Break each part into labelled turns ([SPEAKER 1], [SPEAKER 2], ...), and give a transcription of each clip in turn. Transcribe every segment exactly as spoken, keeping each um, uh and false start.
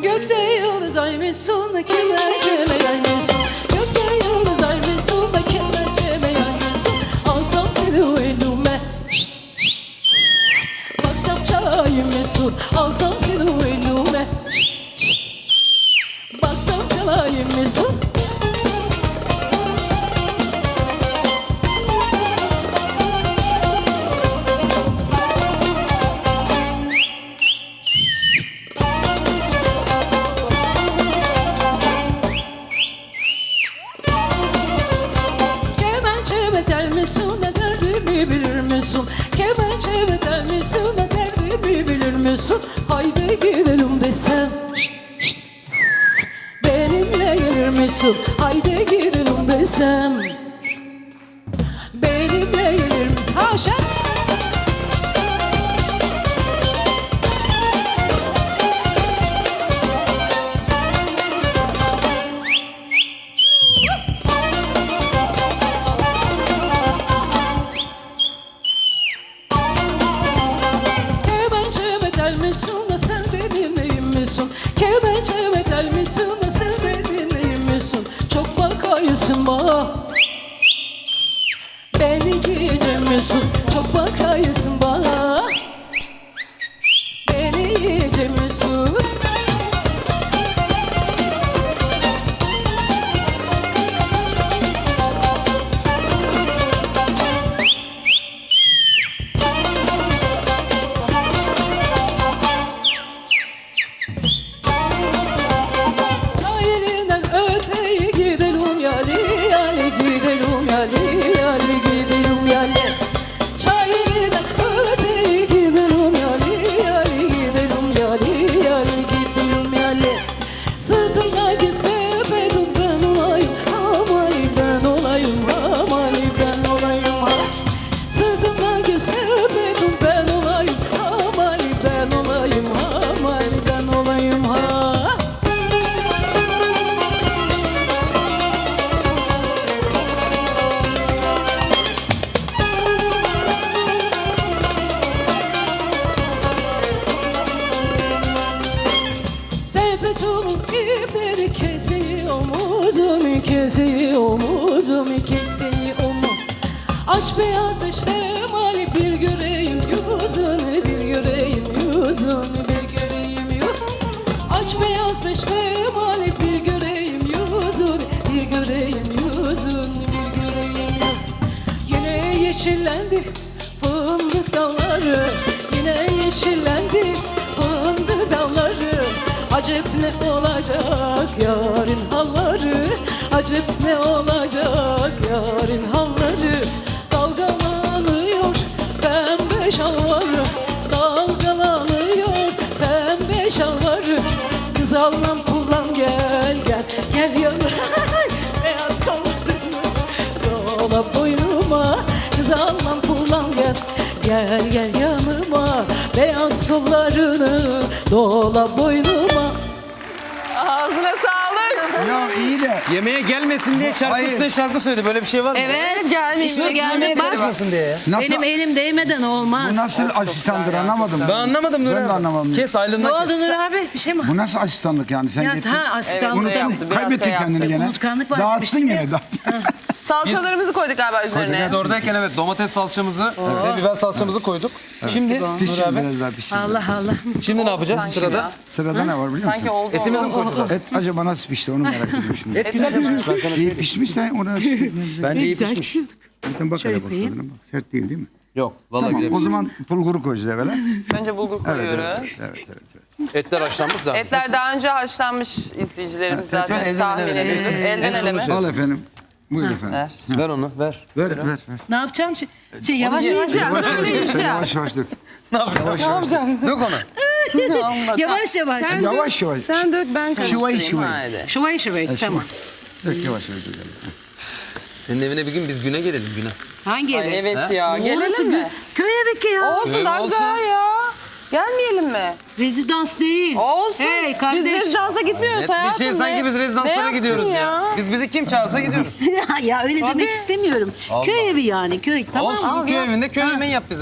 [SPEAKER 1] Gökte yıldız ay mesun, kemençeme yay mesun. Gökte yıldız ay mesun, kemençeme yay mesun. Alsam seni elime, şşt, şşt. Baksam çalayım mesun. Alsam seni elime, şşt, şşt. Baksam çalayım mesun. Ne derdimi bilir misin? Kemençeme tel misin? Ne derdimi bilir misin? Haydi gidelim desem, şşt, şşt. Benimle gelir misin? Haydi gidelim desem, benimle gelir misin? Haşa! Sen benim neyim misin? Kemençeme tel misin? Sen benim neyim misin? Çok bakayısın bana, beni giyeceğim misin? Çok bakayısın bana, beni yiyeceğim misin? Sırtımdaki sepetim ben olayım, amali ben olayım, amali ben olayım ha. Sırtımdaki sepetim ben olayım, amali ben olayım, amali ben olayım ha. Sepetimin ipleri kesiyor, omuzumu kesiyor, omuzumu kesiyor omuz. Aç beyaz beştemali bir göreyim yüzünü, bir göreyim yüzünü, bir göreyim yüzünü. Aç beyaz beştemali bir göreyim yüzünü, bir göreyim yüzünü, bir göreyim yüzünü. Yine yeşillendi fındık dalları, yine yeşillendi fındık dalları. Acep ne olacak yarın halları, acep ne olacak yarın halları. Dalgalanıyor pembe şalvarı, dalgalanıyor pembe şalvarı. Kız almam kullan gel gel, gel yanıma. Beyaz kollarını dola boynuma. Kız almam kullan gel, gel gel yanıma. Beyaz kollarını dola boynuma.
[SPEAKER 2] Ağzına sağlık.
[SPEAKER 3] Ya iyi de.
[SPEAKER 4] Yemeğe gelmesin diye şarkı
[SPEAKER 3] Hayır.
[SPEAKER 4] üstüne şarkı söyledi. Böyle bir şey var mı?
[SPEAKER 2] Evet gelmiş.
[SPEAKER 4] Sırf
[SPEAKER 2] gelmiş.
[SPEAKER 4] yemeğe
[SPEAKER 2] Bak
[SPEAKER 4] karışmasın diye ya.
[SPEAKER 3] Nasıl,
[SPEAKER 2] benim elim değmeden olmaz.
[SPEAKER 3] bu nasıl asistandır anlamadım.
[SPEAKER 4] Ben anlamadım Nur
[SPEAKER 3] Ben de
[SPEAKER 4] abi.
[SPEAKER 3] anlamadım.
[SPEAKER 4] Kes
[SPEAKER 2] Ne
[SPEAKER 4] aylığından
[SPEAKER 2] oldu
[SPEAKER 4] kes.
[SPEAKER 2] Nur abi? Bir şey mi?
[SPEAKER 3] Bu nasıl asistanlık yani? Sen
[SPEAKER 2] Ya
[SPEAKER 3] gittin.
[SPEAKER 2] ha asistanlık
[SPEAKER 3] Unuttun,
[SPEAKER 2] yaptı.
[SPEAKER 5] biraz
[SPEAKER 3] kaybettin
[SPEAKER 5] şey
[SPEAKER 3] kendini
[SPEAKER 5] yaptı.
[SPEAKER 3] gene.
[SPEAKER 2] Unutkanlık var,
[SPEAKER 3] Dağıttın
[SPEAKER 2] demiştim
[SPEAKER 3] gene.
[SPEAKER 2] ya.
[SPEAKER 3] dağıttın.
[SPEAKER 5] Salçalarımızı koyduk galiba üzerine.
[SPEAKER 4] Biz oradayken evet domates salçamızı ve biber salçamızı koyduk. Şimdi
[SPEAKER 3] Pişir
[SPEAKER 4] Nur abi.
[SPEAKER 3] biraz daha pişir.
[SPEAKER 2] Allah Allah.
[SPEAKER 4] Şimdi ne yapacağız sırada?
[SPEAKER 3] Sırada ne var biliyor
[SPEAKER 5] Sanki
[SPEAKER 3] musun?
[SPEAKER 5] oldu.
[SPEAKER 4] Etimizi mi
[SPEAKER 5] oldu.
[SPEAKER 4] koyacağız?
[SPEAKER 3] Et acaba nasıl pişti onu merak ediyorum şimdi.
[SPEAKER 4] Et güzel pişmiş. Ben sana
[SPEAKER 3] İyi
[SPEAKER 4] söyleyeyim.
[SPEAKER 3] pişmişse ona
[SPEAKER 4] Bence iyi
[SPEAKER 2] Güzel
[SPEAKER 4] pişmiş.
[SPEAKER 3] bir tane bak
[SPEAKER 2] Şöyle
[SPEAKER 3] hele bak
[SPEAKER 2] koyayım.
[SPEAKER 3] tadına bak. Sert değil değil mi?
[SPEAKER 4] Yok vallahi
[SPEAKER 3] Tamam
[SPEAKER 4] güzel
[SPEAKER 3] o
[SPEAKER 4] pişmiş.
[SPEAKER 3] zaman bulguru koyacağız evvela.
[SPEAKER 5] Önce bulgur
[SPEAKER 3] Evet
[SPEAKER 5] koyuyoruz.
[SPEAKER 3] evet evet. evet, evet.
[SPEAKER 4] Etler haşlanmış zaten.
[SPEAKER 5] Etler daha önce haşlanmış izleyicilerimiz zaten
[SPEAKER 4] şöyle elden
[SPEAKER 5] tahmin
[SPEAKER 4] ele,
[SPEAKER 5] edilir.
[SPEAKER 4] elden ele.
[SPEAKER 5] Elden
[SPEAKER 4] En
[SPEAKER 5] ele mi?
[SPEAKER 4] sonunda
[SPEAKER 3] Al efendim. Buyur efendim.
[SPEAKER 5] Ver.
[SPEAKER 4] Ver onu ver.
[SPEAKER 3] Ver ver ver.
[SPEAKER 2] Ne yapacağım? Şey, şey yavaş
[SPEAKER 4] ye-
[SPEAKER 2] yavaş
[SPEAKER 3] Yavaş
[SPEAKER 2] yavaş.
[SPEAKER 3] yavaş sen yavaş yavaş dök.
[SPEAKER 4] Ne yapacağız?
[SPEAKER 3] Yavaş yavaş.
[SPEAKER 4] Dök onu.
[SPEAKER 2] Yavaş yavaş.
[SPEAKER 3] Yavaş yavaş.
[SPEAKER 5] Sen dök ben
[SPEAKER 3] Şıvay
[SPEAKER 5] karıştırayım.
[SPEAKER 3] şıvay.
[SPEAKER 5] Haydi.
[SPEAKER 2] Şıvay şıvay. Tamam.
[SPEAKER 3] Dök yavaş yavaş. dök.
[SPEAKER 4] Senin evine bir gün biz güne gelelim güne.
[SPEAKER 2] Hangi
[SPEAKER 5] Ay,
[SPEAKER 2] eve?
[SPEAKER 5] evet ya.
[SPEAKER 2] Orası
[SPEAKER 5] Gelelim mi?
[SPEAKER 2] Köy evi ki ya.
[SPEAKER 5] Olsun
[SPEAKER 4] Öyle
[SPEAKER 5] daha
[SPEAKER 4] olsun.
[SPEAKER 5] güzel ya. Gelmeyelim mi?
[SPEAKER 2] Rezidans değil.
[SPEAKER 5] Olsun.
[SPEAKER 2] Hey kardeş.
[SPEAKER 5] Biz rezidansa gitmiyoruz
[SPEAKER 4] Net
[SPEAKER 5] hayatım.
[SPEAKER 4] bir şey sanki
[SPEAKER 5] Ne-
[SPEAKER 4] biz
[SPEAKER 5] ne
[SPEAKER 4] rezidanslara
[SPEAKER 5] yaptın
[SPEAKER 4] gidiyoruz ya. Biz bizi kim çağırsa gidiyoruz.
[SPEAKER 2] ya, ya öyle demek istemiyorum.
[SPEAKER 4] Allah.
[SPEAKER 2] Köy evi yani köy. Tamam.
[SPEAKER 4] Olsun
[SPEAKER 5] al
[SPEAKER 4] köy
[SPEAKER 5] ya.
[SPEAKER 4] evinde köy yemeği yap bize.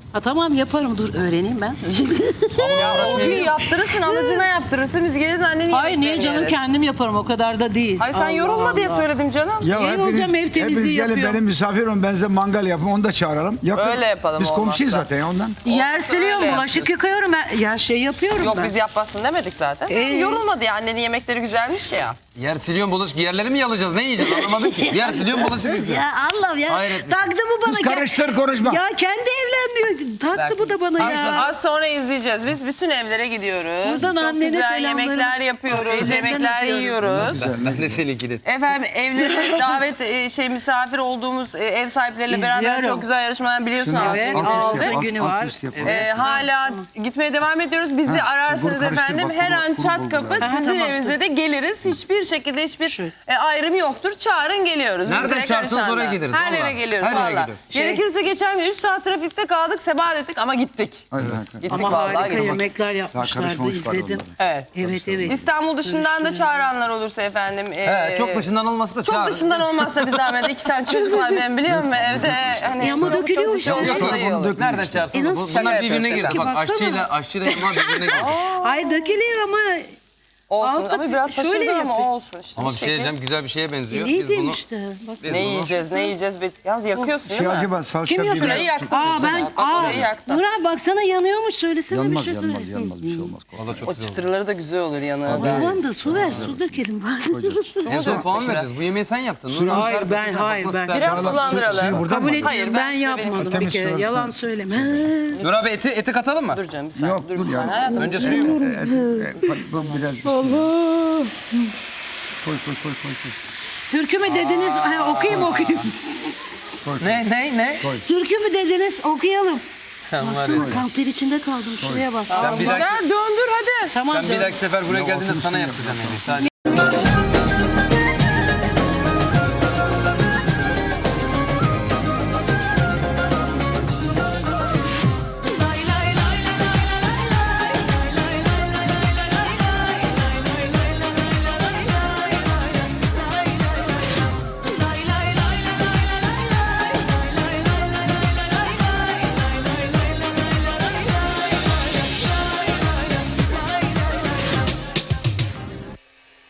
[SPEAKER 2] Ha, tamam yaparım dur öğreneyim ben.
[SPEAKER 5] O gün yaptırırsın, alıcına yaptırırsın. Biz geliriz annenin
[SPEAKER 2] Hayır niye
[SPEAKER 5] yemeklerini
[SPEAKER 2] canım
[SPEAKER 5] yeriz.
[SPEAKER 2] kendim yaparım o kadar da değil.
[SPEAKER 5] Hayır sen
[SPEAKER 2] Allah
[SPEAKER 5] yorulma diye
[SPEAKER 2] Allah.
[SPEAKER 5] söyledim canım.
[SPEAKER 3] Ya
[SPEAKER 2] İyi olacağım, ev temizliği
[SPEAKER 3] hepiniz gelin
[SPEAKER 2] yapıyor.
[SPEAKER 3] benim misafir olun. Ben size mangal yapın. Onu da çağıralım. Yakın.
[SPEAKER 5] Öyle yapalım,
[SPEAKER 3] Biz komşuyuz
[SPEAKER 5] olmazsa.
[SPEAKER 3] zaten ya ondan.
[SPEAKER 2] Yer siliyorum,
[SPEAKER 5] öyle
[SPEAKER 2] bulaşık
[SPEAKER 5] yapıyoruz.
[SPEAKER 2] yıkıyorum, her her şeyi yapıyorum
[SPEAKER 5] Yok
[SPEAKER 2] ben.
[SPEAKER 5] biz yapmasın demedik zaten.
[SPEAKER 2] Ee?
[SPEAKER 5] Yorulma diye annenin yemekleri güzelmiş ya.
[SPEAKER 4] Yer siliyorum bulaşık. Yerleri mi yalayacağız? Ne yiyeceğiz? Anlamadım ki. Yer siliyorum bulaşık yıkıyorum.
[SPEAKER 2] Ya Allah'ım ya.
[SPEAKER 4] Hayret bir şey.
[SPEAKER 2] Taktı bu bana.
[SPEAKER 3] Kız karıştır konuşma.
[SPEAKER 2] Ya kendi evlenmiyor. Taktı bu da bana ya.
[SPEAKER 5] Az sonra izleyeceğiz. Biz bütün evlere gidiyoruz.
[SPEAKER 2] Buradan
[SPEAKER 5] Çok
[SPEAKER 2] annene
[SPEAKER 5] güzel
[SPEAKER 2] selamlarım.
[SPEAKER 5] yemekler yapıyoruz.
[SPEAKER 2] Ellerinden
[SPEAKER 5] Yemekler
[SPEAKER 2] öpüyorum.
[SPEAKER 5] yiyoruz.
[SPEAKER 4] Ben de seninkini.
[SPEAKER 5] Efendim evlere davet e, şey misafir olduğumuz e, ev sahipleriyle beraber
[SPEAKER 2] İzliyorum.
[SPEAKER 5] çok güzel yarışmalar biliyorsun
[SPEAKER 3] Şunu
[SPEAKER 5] abi.
[SPEAKER 2] Evet,
[SPEAKER 3] alt üst
[SPEAKER 2] altı
[SPEAKER 3] yap, alt-
[SPEAKER 2] günü
[SPEAKER 3] alt
[SPEAKER 2] var.
[SPEAKER 3] üst yap.
[SPEAKER 5] Ee, hala gitmeye devam ediyoruz. Bizi
[SPEAKER 3] Ha,
[SPEAKER 5] ararsınız
[SPEAKER 3] bulgur karıştır,
[SPEAKER 5] efendim.
[SPEAKER 3] bak,
[SPEAKER 5] Her
[SPEAKER 3] kuru-
[SPEAKER 5] an
[SPEAKER 3] kuru
[SPEAKER 5] çat
[SPEAKER 3] bulgur
[SPEAKER 5] kapı
[SPEAKER 3] yani.
[SPEAKER 2] Aha,
[SPEAKER 5] sizin
[SPEAKER 2] tamam.
[SPEAKER 5] evinize de geliriz. Hiçbir şekilde hiçbir
[SPEAKER 2] Şu.
[SPEAKER 5] e, ayrım yoktur. Çağırın geliyoruz.
[SPEAKER 4] Nereden
[SPEAKER 5] Direkt
[SPEAKER 4] çağırsanız
[SPEAKER 5] Alişan'la.
[SPEAKER 4] oraya geliriz,
[SPEAKER 5] Her yere
[SPEAKER 4] vallahi.
[SPEAKER 5] geliyoruz
[SPEAKER 4] Her yere
[SPEAKER 5] valla.
[SPEAKER 4] gidiyoruz.
[SPEAKER 2] Şey-
[SPEAKER 5] Gerekirse geçen gün üç saat trafikte kaldık. Sebat ettik ama gittik.
[SPEAKER 3] Hayır, hayır, hayır.
[SPEAKER 5] Gittik
[SPEAKER 2] Ama
[SPEAKER 5] vallahi
[SPEAKER 2] harika
[SPEAKER 5] gittik.
[SPEAKER 2] yemekler
[SPEAKER 3] Daha
[SPEAKER 2] yapmışlardı
[SPEAKER 3] karışmamış var
[SPEAKER 2] izledim.
[SPEAKER 3] onların.
[SPEAKER 5] Evet.
[SPEAKER 2] Evet evet.
[SPEAKER 5] İstanbul dışından da çağıranlar olursa efendim. e,
[SPEAKER 4] He, çok dışından olması da
[SPEAKER 5] Çok
[SPEAKER 4] çağırın.
[SPEAKER 5] dışından olmazsa bir zahmet. İki tane çocuk var ben biliyor musun evde. Hani
[SPEAKER 2] E ama
[SPEAKER 5] çok
[SPEAKER 2] dökülüyor
[SPEAKER 5] dışı
[SPEAKER 2] işte.
[SPEAKER 5] olmasa
[SPEAKER 3] Yok,
[SPEAKER 5] iyi
[SPEAKER 3] onu
[SPEAKER 5] olur.
[SPEAKER 3] dök-
[SPEAKER 4] Nereden çağırsanız.
[SPEAKER 2] E
[SPEAKER 4] bu-
[SPEAKER 2] nasıl
[SPEAKER 4] Bunlar
[SPEAKER 5] şaka
[SPEAKER 4] birbirine
[SPEAKER 5] yapıyorsun?
[SPEAKER 4] girer. Bak
[SPEAKER 2] Baksana.
[SPEAKER 4] aşçıyla aşçıyla yaman birbirine girer.
[SPEAKER 2] Ay dökülüyor ama
[SPEAKER 5] Olsun
[SPEAKER 2] Altta
[SPEAKER 5] ama biraz
[SPEAKER 2] şöyle
[SPEAKER 5] taşırdı ama
[SPEAKER 2] yapıyor.
[SPEAKER 5] olsun işte.
[SPEAKER 4] Ama bir
[SPEAKER 5] Şekil.
[SPEAKER 4] şey diyeceğim güzel bir şeye benziyor. Biz
[SPEAKER 2] neydim
[SPEAKER 4] bunu
[SPEAKER 2] işte. Bak.
[SPEAKER 4] biz
[SPEAKER 5] Ne
[SPEAKER 4] bunu
[SPEAKER 5] yiyeceğiz, ne yiyeceğiz biz? Yalnız yakıyorsun
[SPEAKER 3] Şey
[SPEAKER 5] değil mi?
[SPEAKER 3] acaba salça
[SPEAKER 2] Kim yakıyor?
[SPEAKER 3] biber.
[SPEAKER 5] Şurayı yaktın.
[SPEAKER 2] Aa ben
[SPEAKER 5] Bak,
[SPEAKER 2] aa
[SPEAKER 5] orayı yaktın.
[SPEAKER 2] Nur abi baksana yanıyormuş söylesene
[SPEAKER 3] Yanmaz
[SPEAKER 2] bir şey
[SPEAKER 3] yanmaz
[SPEAKER 2] söyle.
[SPEAKER 3] yanmaz bir şey olmaz.
[SPEAKER 4] Valla çok
[SPEAKER 5] O
[SPEAKER 4] güzel oldu.
[SPEAKER 5] çıtırları da güzel olur yanına.
[SPEAKER 2] Tamam da su ver su dökelim var.
[SPEAKER 4] En son puan vereceğiz. Bu yemeği sen yaptın. Nur
[SPEAKER 2] Hayır,
[SPEAKER 4] Hanım,
[SPEAKER 2] ben-
[SPEAKER 4] sen
[SPEAKER 2] hayır,
[SPEAKER 4] bakmak
[SPEAKER 2] ben-
[SPEAKER 4] ister.
[SPEAKER 5] Biraz
[SPEAKER 3] Suyu
[SPEAKER 5] sulandıralım.
[SPEAKER 3] buradan
[SPEAKER 2] Kabul
[SPEAKER 3] mı?
[SPEAKER 5] Hayır,
[SPEAKER 2] etmiyorum
[SPEAKER 5] ben
[SPEAKER 2] ben
[SPEAKER 5] size
[SPEAKER 2] yapmadım bir
[SPEAKER 3] Temiz
[SPEAKER 2] kere
[SPEAKER 3] sular
[SPEAKER 2] yalan
[SPEAKER 3] sular.
[SPEAKER 2] söyleme.
[SPEAKER 4] Nur abi eti, eti katalım mı?
[SPEAKER 5] Dur canım bir saniye.
[SPEAKER 3] Yok
[SPEAKER 5] dur,
[SPEAKER 3] dur
[SPEAKER 5] bir
[SPEAKER 3] ya.
[SPEAKER 5] saniye.
[SPEAKER 4] Önce suyu mu?
[SPEAKER 3] Et, et, bu biraz Allah. Koy koy koy koy. koy.
[SPEAKER 2] Türkü mü dediniz? Ha, okuyayım okuyayım.
[SPEAKER 4] Ne ne ne?
[SPEAKER 2] Türkü mü dediniz? Okuyalım.
[SPEAKER 4] Sen var ya.
[SPEAKER 2] Baksana kanter içinde kaldım şuraya bak.
[SPEAKER 4] Sen bir dahaki,
[SPEAKER 5] Gel döndür hadi.
[SPEAKER 2] Tamam
[SPEAKER 4] sen bir
[SPEAKER 2] canım.
[SPEAKER 4] dahaki sefer buraya geldiğinde sana yapacağım yani. Sadece